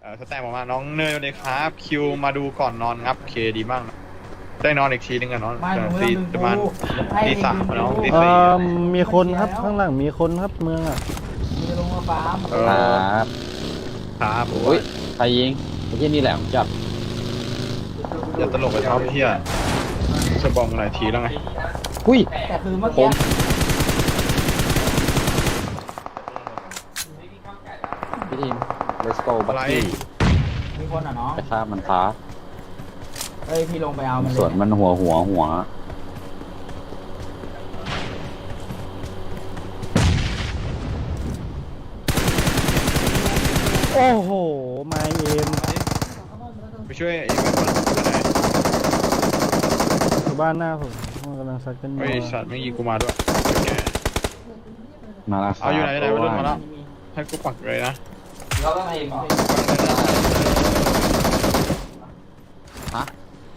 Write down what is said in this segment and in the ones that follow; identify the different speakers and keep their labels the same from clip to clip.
Speaker 1: สแตมออกมาน้องเนยเลยครับคิวมาดูก่อนนอนครับเคดีมากนะได้นอนอีกทีนึงอะนอนตีประมาณตีสามน้องตีสี่
Speaker 2: มีคนครับข้างหลังมีคนครับเมืองอ่ะ
Speaker 3: มีลงมาฟาร์ม
Speaker 4: ครับ
Speaker 1: ครับโอ้
Speaker 4: อุ้
Speaker 1: ย
Speaker 4: ยใครยิงไอ้ที่นี่แหละผมจับ
Speaker 1: อย่าตลกไปท็อปเที่ยจะบอมหลายทีแล้วไง
Speaker 4: อุ้ย
Speaker 3: แต่คือเมื่อ
Speaker 4: ผ
Speaker 3: กี้
Speaker 4: ม พี่ทีม let's go บั
Speaker 1: อะ
Speaker 4: ค
Speaker 1: ไร
Speaker 4: กี้
Speaker 3: มีคนอ่ะเนาะ
Speaker 4: ไปฆ่ามันท้า
Speaker 3: เอ้ยพี่ลงไปเอามันเลย
Speaker 4: ส่วนมันหัว
Speaker 2: โอ้โหมาเอ็ม
Speaker 1: ไปช่วยไอ้เพื่อนคนไหน
Speaker 2: อยู่บ้านหน้าผมมันกำลังซัดกันอ
Speaker 1: ไอ้
Speaker 2: ยู่
Speaker 1: สัตว์ไม่ยิงกูมาด้วยแก
Speaker 4: มาแล้วครับ
Speaker 1: เอาอยู่ไหนไหน
Speaker 4: เพ
Speaker 1: วัย
Speaker 4: ราะ
Speaker 1: รุ่น
Speaker 4: ว่า
Speaker 1: มาแล้วให้กูปักเลยนะ
Speaker 3: เราต้องเอง
Speaker 4: ฮะ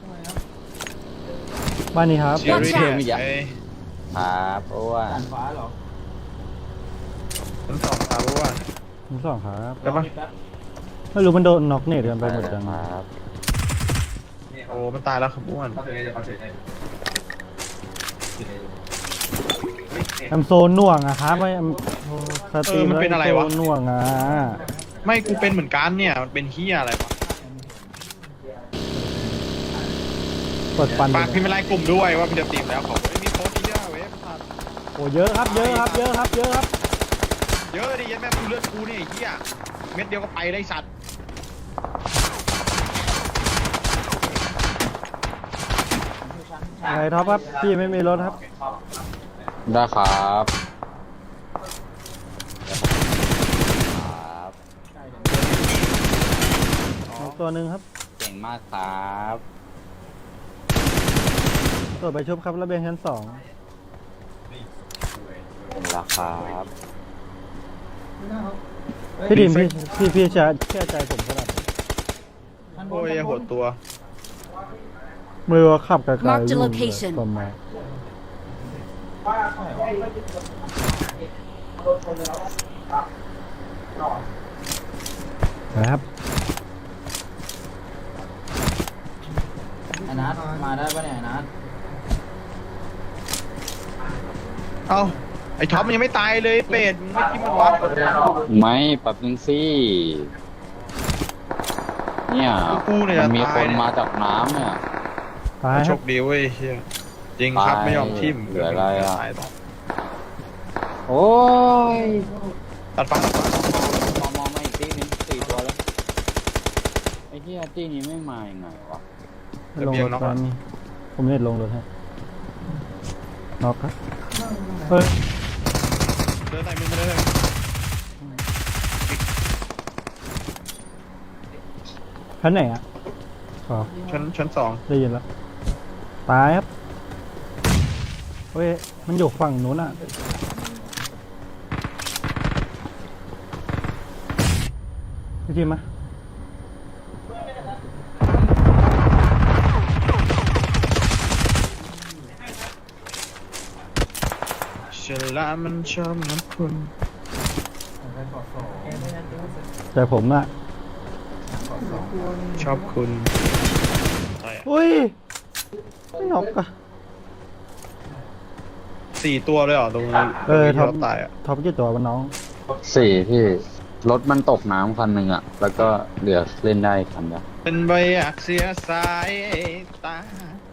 Speaker 2: บ้านนี้ครับ
Speaker 1: เชียร์รี่
Speaker 4: เชื่อไม่อยาก
Speaker 1: ไอ้
Speaker 4: ครับเพราะว่า
Speaker 3: ด่านฟ้าเหรอ
Speaker 1: ทั้งสองตารู้ว่า
Speaker 2: ทั้งสองครับ
Speaker 1: ได้ปะ
Speaker 2: ไม่รู้มันโดนน็อกเนตกันไปหมดยัง
Speaker 4: ครับ
Speaker 1: โอ้มันตายแล้วครับอ้วน
Speaker 2: แอมโซนหน่วงอะครับไอแอมสตรีมแล้วแอมโซนหน่วงอะ
Speaker 1: ไม่กูเป็นเหมือนกันเนี่ยมันเป็นเฮียอะไรวะ
Speaker 2: กดฟัน
Speaker 1: ฝากพิมพ์เป็นไลน์กลุ่มด้วยว่าพี่จะตีมแล้วขอบคุณมีโพสต์เยอะเว้ยพลาด
Speaker 2: โอ้เยอะครับเยอะครับเยอะครับเยอะครับ
Speaker 1: เยอะดิยันแม่งเลือดกูเนี่ยไอ้เฮียเม็ดเดียวก็ไปได้สัตว์
Speaker 2: ไงท็อปครับพี่ไม่มีรถครับ
Speaker 4: ได้ครับครับ
Speaker 2: น็อกตัวหนึ่งครับ
Speaker 4: เก่งมากครับ
Speaker 2: ตัวไปชุบครับระเบียงชั้น 2
Speaker 4: เป็นราคาครับ
Speaker 2: พี่ดิมพี่จะเชื่อใจผมขนาดไหน
Speaker 1: โอ้ยหัวตัว
Speaker 2: ไม่รู้ว่าขับไกลๆ
Speaker 5: Mark the
Speaker 2: นู่นเลย
Speaker 5: location
Speaker 2: ประมาณนะครับ
Speaker 3: ไอ้นัทมาได้ปะเนี่ยไอ้นัท
Speaker 1: เอ้าไอ้ท็อปมันยังไม่ตายเลยเป็ดมึงไม่คิดมันวะ
Speaker 4: ไม่ปรับนึงสิเนี่ย
Speaker 1: กูเนี่ย
Speaker 4: มันมี
Speaker 1: จะ
Speaker 4: ค
Speaker 1: ตาย
Speaker 4: น
Speaker 1: เนี่ย
Speaker 4: มาจากน้ำเนี่ย
Speaker 2: ตายค
Speaker 1: โช
Speaker 2: รับ
Speaker 1: คดีเว้ยเฮียจริงครับ
Speaker 4: ตาย
Speaker 1: ไม่ยอมทิ่ม
Speaker 4: เหลืออะไรอะ
Speaker 1: ตายต่อ
Speaker 4: โอ้ย
Speaker 1: ตัดฟ้าม
Speaker 4: องมาอีกตีหนึง4 ตัวแล้วไอ้ที่ตีนี้ไม่มายังไงวะ
Speaker 2: ไม่ลงรถตอนนี้ผมเน็ตลงรถให้น็อกครับเฮ้ย
Speaker 1: เดินไหนมึงมาเดินไหน
Speaker 2: ชั้นไหนอ่ะอ๋อ
Speaker 1: ชั้นสอง
Speaker 2: ได้ยินแล้วตายครับเฮ้ยมันอยู่ฝั่งนู้นอ่ะพี่ทีมมา
Speaker 1: ฉลามมันชอบน้ำคุณ
Speaker 2: แต่ผมอ่ะ
Speaker 1: ชอบคุณอะไรอะ
Speaker 2: อุ้ยไม่น็อกอ่ะ
Speaker 1: 4 ตัวเลยเหรอตรงนี้
Speaker 2: ท็อป
Speaker 1: ที่เราตายอ่ะ
Speaker 2: ท็อปกี่ตัววะน้อง
Speaker 4: 4พี่รถมันตกน้ำคันหนึ่งอะแล้วก็เหลือเล่นได้คันเดียว
Speaker 1: เป็นใบอักเสียสายตา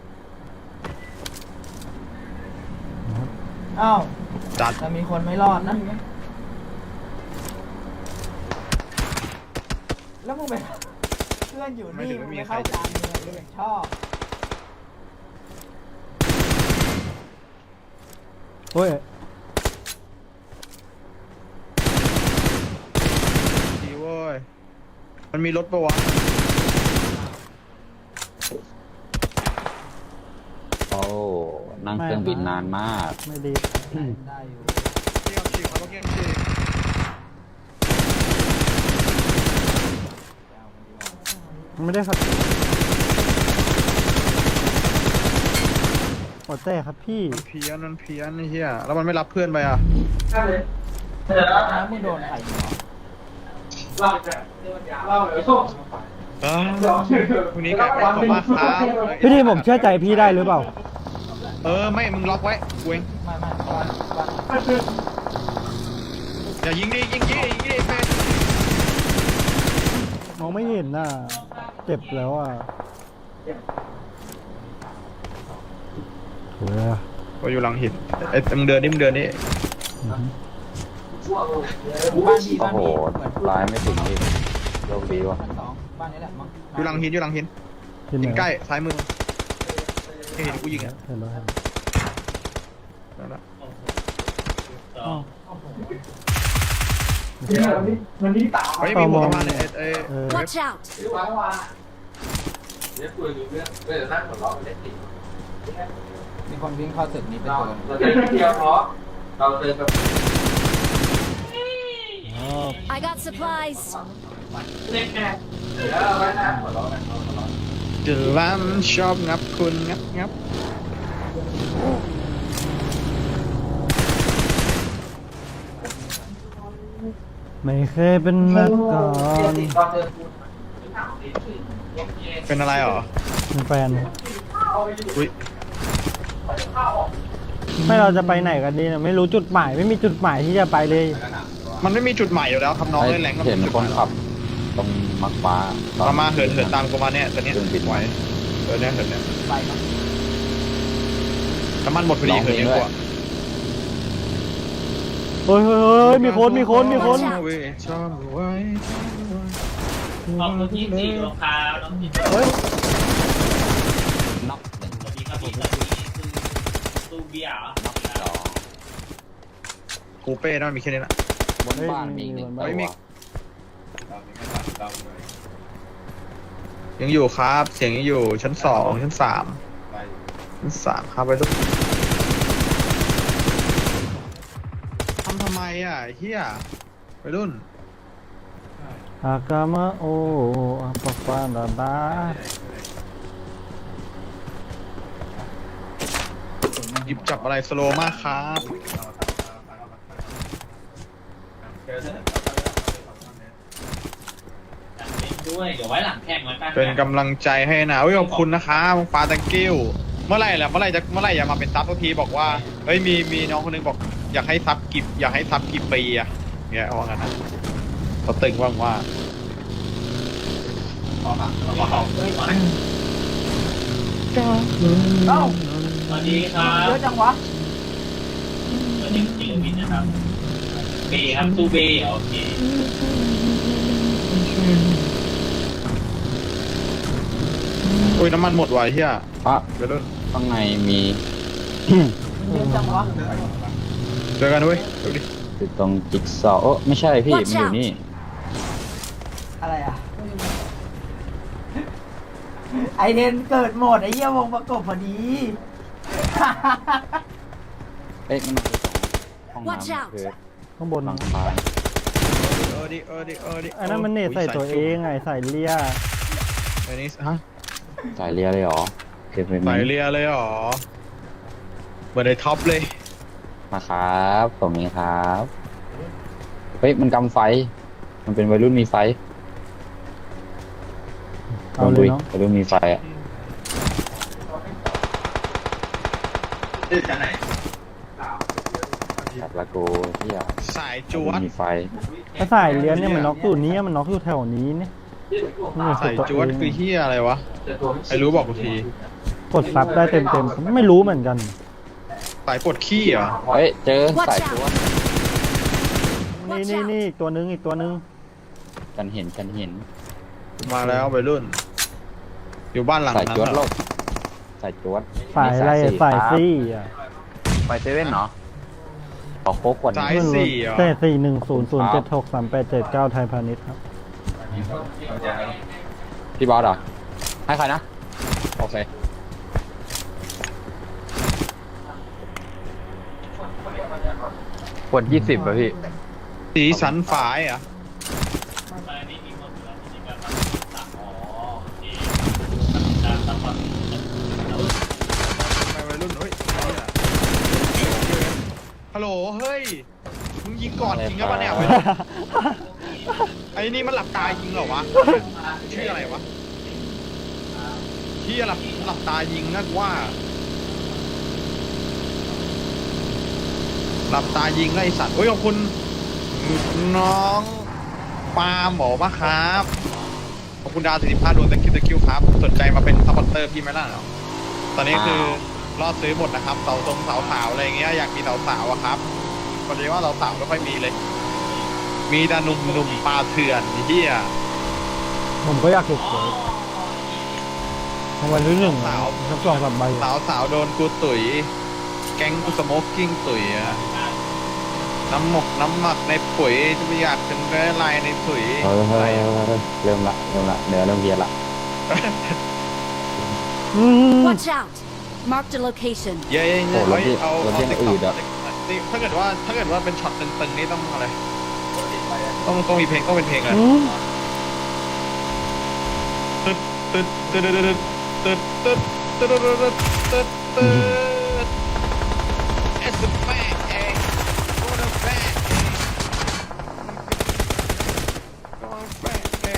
Speaker 3: อ้าว
Speaker 1: จัด
Speaker 3: จะมีคนไม่รอดนะ แล้วมึงไปเพื่อนอยู่นี่มึงไม่เข้าจานมึงเลยอย่างชอบ
Speaker 2: เฮ้ย
Speaker 1: ดีเว้ยมันมีรถปะวะ
Speaker 4: โอ้นั่งเครื่องบินนานมาก
Speaker 2: ไม่ดี
Speaker 3: ได้อยู่
Speaker 1: เกี่ยงฉีกเขาต้องเกี่ยงฉีก
Speaker 2: มันไม่ได้ครับโอแต่ครับพี่
Speaker 1: มันเพี้ยนไอ้เหี้ยแล้วมันไม่รับเพื่อนไปอ่ะ
Speaker 3: แล้วมึงโดนใครอยู่เหรอ
Speaker 1: เออพรุ่งนี้กลับไปขอบมากครับ
Speaker 2: พี่ทีผมเชื่อใจพี่ได้หรือเปล่า
Speaker 1: ไม่มึงล็อกไว้กูเองอย่ายิงดิยิงดิแฟน
Speaker 2: มองไม่เห็นน่ะเจ็บแล้วอ่ะโถ่เลยอะ
Speaker 1: ก็อยู่หลังหินมึงเดินนี่
Speaker 3: บ้านพี่
Speaker 4: โอ้
Speaker 3: บ้าน
Speaker 4: โห
Speaker 3: พี่เหมือน
Speaker 4: ร้ายไม่ถึงพี่โชคดีว่ะ
Speaker 3: ชั้นสองบ้านนี้แหละมั้ง
Speaker 1: อยู่หลังหินหิน
Speaker 2: ที่ไหน
Speaker 1: หินใกล้ซ้ายมือเห็นกูยิงอ่ะ
Speaker 2: เห็นแล้วเห็น
Speaker 1: นั่นแหละ
Speaker 2: อ้าว
Speaker 1: เฮ้ยมีหมวกประมาณเนี่ย
Speaker 5: Watch out!
Speaker 3: มีคนวิ่งเข้าตึกนี้เป็นตัว
Speaker 2: อ๋อ
Speaker 5: I got supplies.
Speaker 1: จะล้ำชอบงับคุณงับ
Speaker 2: ไม่เคยเป็นมาก่อน
Speaker 1: เป็นอะไรหรอ
Speaker 2: เป็นแฟน
Speaker 1: อุ้ย
Speaker 2: ไม่เราจะไปไหนกันดีเนี่ยไม่รู้จุดหมายไม่มีจุดหมายที่จะไปเลย
Speaker 1: มันไม่มีจุดใหม่อยู่แล้วครับน้อง
Speaker 4: เฮ้ย
Speaker 1: เล่นแรงก็
Speaker 4: เห็นคนขับตรงมักฟ้า
Speaker 1: มาเหินตามกูมาเนี่ยตอนนี้
Speaker 4: เครื่องบิน
Speaker 1: ไหวเหินเนี่ย
Speaker 3: ไปเนาะ
Speaker 1: น้ำมันหมดพอดีเหินเยอะกว่า
Speaker 2: เฮ้ยมีคน
Speaker 1: เว้ยชอบไว้
Speaker 6: ขอบคุณที่สี่รองเท้าน้องพี่
Speaker 2: เฮ้ย
Speaker 4: น็อกหนึ่ง
Speaker 6: สวัสดีครับพี่สวัสดีคือตู้เบียร์เหรอ
Speaker 4: น็อกสอง
Speaker 1: กูเป้นั่นมีแค่นี้ละ
Speaker 4: บนบ้านมีอีกหนึ่ง
Speaker 1: เฮ้
Speaker 4: ตั
Speaker 1: ยมี
Speaker 4: ว
Speaker 1: ยังอยู่ครับ เสียงยังอยู่ชั้น 2 ชั้น 3 ชั้น 3ครับไปทุกทำไมอ่ะเฮียไปรุ่น
Speaker 2: อากามาโออาปะปาดาดา
Speaker 1: หยิบจับอะไรสโลว์มากครับ
Speaker 6: ด้วยเดี๋ยวไว้หลังแข่งแล้วกัน
Speaker 1: เป็นกำลังใจให้นะขอบคุณนะครับฟ้าตังกิ้วเมื่อไหร่จะมาเป็นซับทุกทีบอกว่าเฮ้ยมีน้องคนนึงบอกอยากให้ซับกี่ปีอะเนี่ยว่างั้นนะเขาตึงว่างว่า
Speaker 3: เอ้า
Speaker 6: สวัสดีครับ
Speaker 3: เยอะจังวะ
Speaker 6: สวัสดีศิลปินนะครับเบย์ครับตู้เบย์โอเค
Speaker 1: อุ้ยน้ำมันหมดว่ะเฮีย
Speaker 4: พระ
Speaker 1: เดี๋ยวรุ่น
Speaker 4: ข้างในมี
Speaker 3: เยอะจังวะ
Speaker 1: เจอกันเว้ยดูดิ
Speaker 4: อยู่ตรงจิ๊กซอว์โอ้ไม่ใช่พี่ มันอยู่นี่
Speaker 3: อะไรอ่ะไอเทนเกิดหมดไอเหี้ยวงประกบพอดี
Speaker 4: เอ๊ะมันอยู่ตรงห้อง
Speaker 5: Watch
Speaker 4: น้ำ
Speaker 5: out
Speaker 4: คือ
Speaker 2: ข้างบน
Speaker 4: หลังคา
Speaker 1: ดิ
Speaker 2: ไอ้นั่นมันเนตใส่ตัวเองไงใส่เลีย
Speaker 1: ไอ้นี่ฮะ
Speaker 4: สายเรียเลยเหรอเก็บไว้ไหม
Speaker 1: ใส่เรียเลยเหรอเหมือนในท็อปเลย
Speaker 4: มาครับผมเองครับเฮ้ยมันกำไฟ มันเป็นวัยรุ่นมีไฟ
Speaker 2: เอาเลยเนาะ
Speaker 4: วัยรุ่นมีไฟอ่ะจัดละกูที่อยาก
Speaker 1: สายจวด
Speaker 4: มีไฟ
Speaker 2: ถ้าใส่เลียเนี่ยมันน็อกอยู่นี้มันน็อกอยู่แถวนี้เนี่ยนี่
Speaker 1: สายจวดคือเฮียอะไรวะไอ้รู้บอกกูที
Speaker 2: กดซับได้เต็มไม่รู้เหมือนกัน
Speaker 1: สายปวดขี้เหรอ
Speaker 4: เฮ้ยเจอ
Speaker 5: Watch
Speaker 4: สาย
Speaker 5: out
Speaker 4: จวด
Speaker 2: นี่อีกตัวนึง
Speaker 4: กันเห็น
Speaker 1: มาแล้วไปรุ่น อยู่บ้านหลัง
Speaker 4: สาย
Speaker 1: นั้น
Speaker 4: จวด
Speaker 1: เห
Speaker 4: โล
Speaker 1: รอก
Speaker 4: สายจวด
Speaker 2: สายอะไรอะสายซี่อ่ะ
Speaker 4: ไฟเซเว่นเหรอขอโค้กกว่า
Speaker 1: สา
Speaker 4: นี้
Speaker 1: ยสี่เหรอ
Speaker 2: แต่410076387 ไทยพาณิชย์ครับ
Speaker 4: พี่บอสเหรอ ให้ใครนะ โอเค ขวด20ป่ะพี่
Speaker 1: สีสันฝายเหรอ่ะ
Speaker 6: ตอนนี้มีคนอยู่แล้วที่แบบตัดอ๋อโอเคการตัดความ
Speaker 1: ไปวัยรุ่นเฮ้ยฮัลโหลเฮ้ยมึงยิงก่อนจริงหรือเปล่าเนี่ยวัยรุ่นไอ้อ้นี่มันหลับตายิงเหรอวะชื่ออะไรวะที่หลับตายิงนะกูว่าหลับตายิงไอ้สัตว์เฮ้ยขอบคุณน้องปาหมอมะครับขอบคุณดาว45ดวงตะคิวครับสนใจมาเป็นซัพพอร์ตเตอร์พี่ไหมล่ะตอนนี้คือรอดซื้อหมดนะครับเสาตรงเสาสาวอะไรเงี้ยอยากมีเสาสาวอะครับพอดีว่าเสาสาวไม่ค่อยมีเลยมีแต่หนุ่มปลาเถื่อนเฮีย
Speaker 2: ผมก็อยากถูกหวยรางวัลที่หนึ่ง
Speaker 1: สาว
Speaker 2: สัก2-3 ใบ
Speaker 1: สาวโดนกูตุ๋ยแก๊งกูสโมกกิ้งตุ๋ยอะน้ำหมักในปุ๋ยจะไม่อยากถึงได้ลายในตุ๋ย
Speaker 4: เฮ้ยเริ่มละเนื้อเริ่มเพี้ยนละ
Speaker 5: Watch out! Marked a location.
Speaker 1: เย้
Speaker 4: โอ้รถที่
Speaker 1: เอา
Speaker 4: รถที่อื่นอะ
Speaker 1: นี่ถ้าเกิดว่าเป็นช็อตตึงๆนี่ต้องอะไรต้องมีเพลงต้องเป็นเพลงอะไร ตึ๊ดตึ๊ดตึ๊ดตึ๊ดตึ๊ดตึ๊ดตึ๊ดตึ๊ดตึ๊ดตึ๊ด It's a bang, eh? What a bang, eh? What a bang, eh?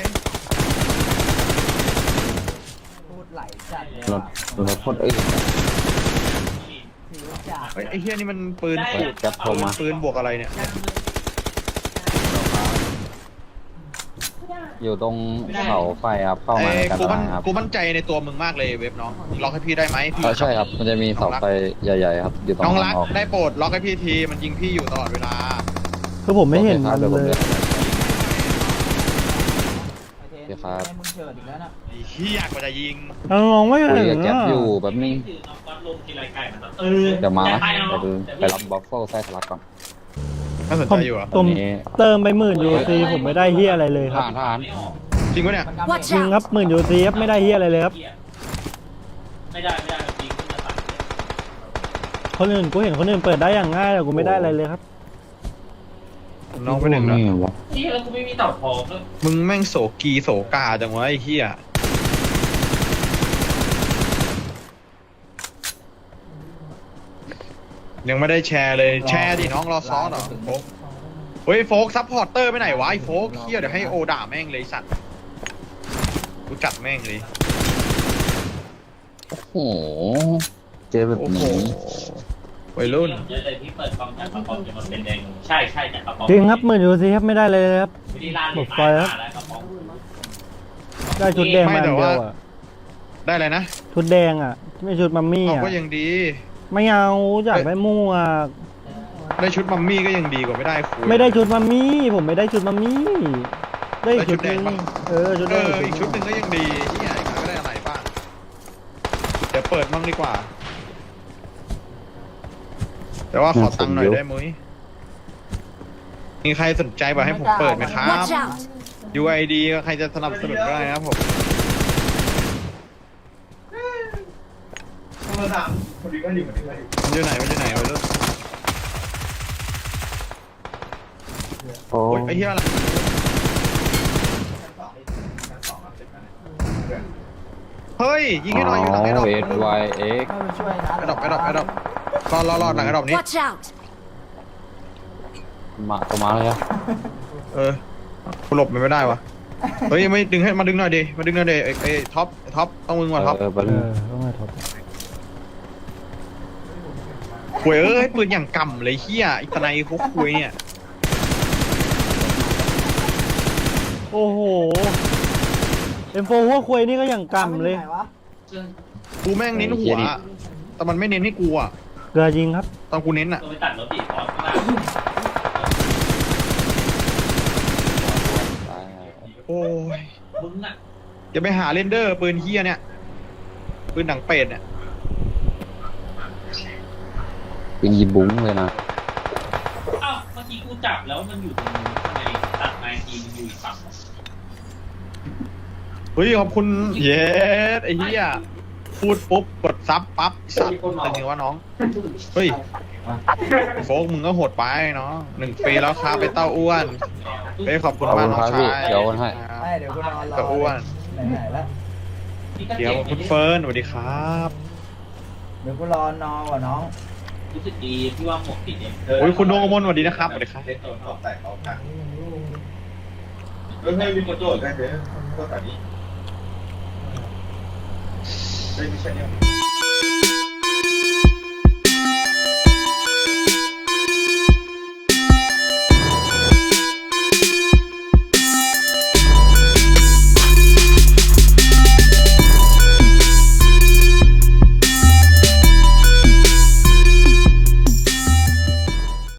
Speaker 3: พูดไหลจัดเลย
Speaker 4: รถคนอื่น
Speaker 3: ถือจัด
Speaker 1: เฮ้ยไอ้เฮียนี่มันปืน
Speaker 4: แก๊ปโทรมา
Speaker 1: ปืนบวกอะไรเนี่ย
Speaker 4: อยู่ตรงเสาไฟครับเข้ามาในกันครับ
Speaker 1: กูมั่นใจในตัวมึงมากเลยเว็บน้องล็อกให้พี่ได้ไหมพี่
Speaker 4: ใช่ครับมันจะมีเสาไฟใหญ่ๆครับอยู่ตรง
Speaker 1: น้อง
Speaker 4: ทา
Speaker 1: รั
Speaker 4: ง
Speaker 1: ก
Speaker 4: ออก
Speaker 1: ได้โปรดล็อกให้พี่ทีมันยิงพี่อยู่ตลอดเวลา
Speaker 2: คือผมไม่เห็นมัน
Speaker 4: ดี๋วผ
Speaker 2: เลย
Speaker 4: ดิน
Speaker 3: โอเค
Speaker 4: เดี๋ยวครับ
Speaker 3: ให้มึงเฉิดอีกแล้วนะ
Speaker 1: ไอ้เฮียกว่าจะยิง
Speaker 2: น้องไม่
Speaker 4: คุย
Speaker 2: เห็
Speaker 4: กับ
Speaker 2: น
Speaker 4: แก๊ป
Speaker 2: อะ
Speaker 4: อยู่แบบนี้
Speaker 6: คือน้องก๊อตลงทีไรไก่มันต้อง
Speaker 4: เดี๋ยวมา
Speaker 6: จะ
Speaker 4: นะ
Speaker 6: ไปเอา
Speaker 4: ไปรับบัฟเฟิลไส้ทะลักก่อน
Speaker 1: น่าสน
Speaker 2: ผ
Speaker 1: ใจ
Speaker 2: ม
Speaker 1: อยู่อ่ะ
Speaker 2: ผม
Speaker 4: อันนี้
Speaker 2: เติมไป10,000 UC ผมไม่ได้เฮียอะไรเลยครับ
Speaker 4: ทหาร
Speaker 6: ไม่ออก
Speaker 1: จริงปะเนี่ย
Speaker 3: มันกำ
Speaker 5: Watch
Speaker 2: จริงครับ10,000 UC ครับไม่ได้เฮียอะไรเลยครับ
Speaker 6: ไม่ได้จริงขึ้นมาตัด
Speaker 2: คนอื่นกูเห็นคนอื่นเปิดได้อย่างง่ายแต่กูไม่ได้อะไรเลยครับ
Speaker 1: น้องไปหนึ่งนะ
Speaker 4: วะ
Speaker 6: นี่แล้วกูไม่มีเต่าทองด้วย
Speaker 1: มึงแม่งโศกีโศกาจังวะไอ้เหี้ยยังไม่ได้แชร์เลยแชร์ดิน้องรอซ้อนเหรอโฟกเฮ้ยโฟกซัพพอร์ตเตอร์ไปไหนวะไอ้โฟกเหี้ยเดี๋ยวให้โอด่าแม่งเลยสัตว์กูจัดแม่งเลย
Speaker 4: โอ้โหเจอแบบ
Speaker 1: โอ้โห
Speaker 4: นี้
Speaker 1: วัยรุ่น
Speaker 6: เยอะเลยที่เปิดกล้องจากกระป๋องจะมาเป็นแดงใช่จากกระป๋อง
Speaker 2: จริงครับ10,000 UC ครับไม่ได้เลยครับ
Speaker 6: ไม่ได้ล่าเลย
Speaker 2: หมดไฟครับ
Speaker 6: แล้วกระป๋อง
Speaker 2: ได้ชุดแดงมาอันเดียวอ่ะ
Speaker 1: ได้เลยนะ
Speaker 2: ชุดแดงอ่ะไม่ชุดมัมมี่
Speaker 1: เอา
Speaker 2: อ่ะ
Speaker 1: ก็ยังดี
Speaker 2: ไม่เอาอยากได้ม่วง
Speaker 1: ได้ชุดมัมมี่ก็ยังดีกว่าไม่ได้คุย
Speaker 2: ไม่ได้ชุดมัมมี่ผมไม่ได้ชุดมัมมี่ได้อีกชุดหนึง
Speaker 1: ได้ชุดแดงปะ
Speaker 2: ชุด
Speaker 1: เอ
Speaker 2: แดง
Speaker 1: ออีกชุดหนึ่งก็ยังดีที่ไหนก็ได้อะไรบ้างเดี๋ยวเปิดมั่งดีกว่า แต่ว่าขอตังค์หน่อยได้มั้ยมีใครสนใจบอกให้ผมเปิดไหมครับ
Speaker 5: Watch out!
Speaker 1: UID ก็ใครจะสนับสนุนก็ได้นะครับผมมันอยู่ไหนวัยรุ่น
Speaker 4: โอ้
Speaker 1: โอ้ยไอ้เหี้ยอะไรเฮ้ยยิงให้หน่อยอยู่หลังไอ้ดอก
Speaker 4: เอสวายเอ็ก
Speaker 3: เข้าไปช่วยนะ
Speaker 1: ไอ้ดอกรอหลังไอ้ดอกนี้
Speaker 5: Watch out!
Speaker 4: มาตัวมาเลยอะ
Speaker 1: เออกูหลบมันไม่ได้วะเฮ้ยไม่ดึงให้มาดึงหน่อยดิไอ้ท็อปต้องมึงว่ะท็อป
Speaker 4: ไป
Speaker 2: ต้องมาท็อป
Speaker 1: คุยเอ้ยปืนอย่างกำเลยเฮียอีตาไนเขาคุยเนี่ย
Speaker 2: โอ้โหM4 หัวควยนี่ก็อย่างกำเลย
Speaker 3: ไหนวะ
Speaker 1: กูแม่งเน้นหัวแต่มันไม่เน้นให้กูอ่ะ
Speaker 2: เกลือยิงครับ
Speaker 1: ตอนกูเน้นอ่ะ
Speaker 6: ตัวไปตัดรถตีคอร์สข้างล่าง
Speaker 1: โอ้ย
Speaker 6: มึงอ่ะ
Speaker 1: อย่าไปหาเรนเดอร์ปืนเฮียเนี่ยปืนหนังเป็ดเนี่ย
Speaker 4: เป็นยีบุ้งเลยนะ
Speaker 6: อ้าวเมื่อกี้กูจับแล้วมันอยู่ตรงนู้นทำไมตัดไม้ทีมันอยู่อีกฝั่ง
Speaker 1: เฮ้ยขอบคุณเย้ไอ้เฮียพูดปุ๊บกดซับปั๊บสัตว์เป็นไงวะน้องเฮ้ยโฟกมึงก็โหดไปเนาะ1 ปีแล้วครับไปเต้าอ้วนเฮ้ยขอบคุณมากน้องชาย
Speaker 4: เดี๋ยวโอนให้
Speaker 3: ไม่เดี๋ยวกูนอนรอ
Speaker 1: เต้าอ้วน
Speaker 3: ไหนๆแล้ว
Speaker 1: เดี๋ยวคุณเฟิร์นสวัสดีครับ
Speaker 3: เดี๋ยวกูรอนอนว่ะน้อง
Speaker 6: รู้สึกดีที่ว่าหมวกติดเอง
Speaker 1: โอ้ยคุณดวงกมลสวัสดีนะครับสวัสดีครับ
Speaker 6: เล่นตัวเขาแต่เขา
Speaker 1: ไม่มีคนโดดได้เลยก็แบบนี้ไม่ใช่เนี่ย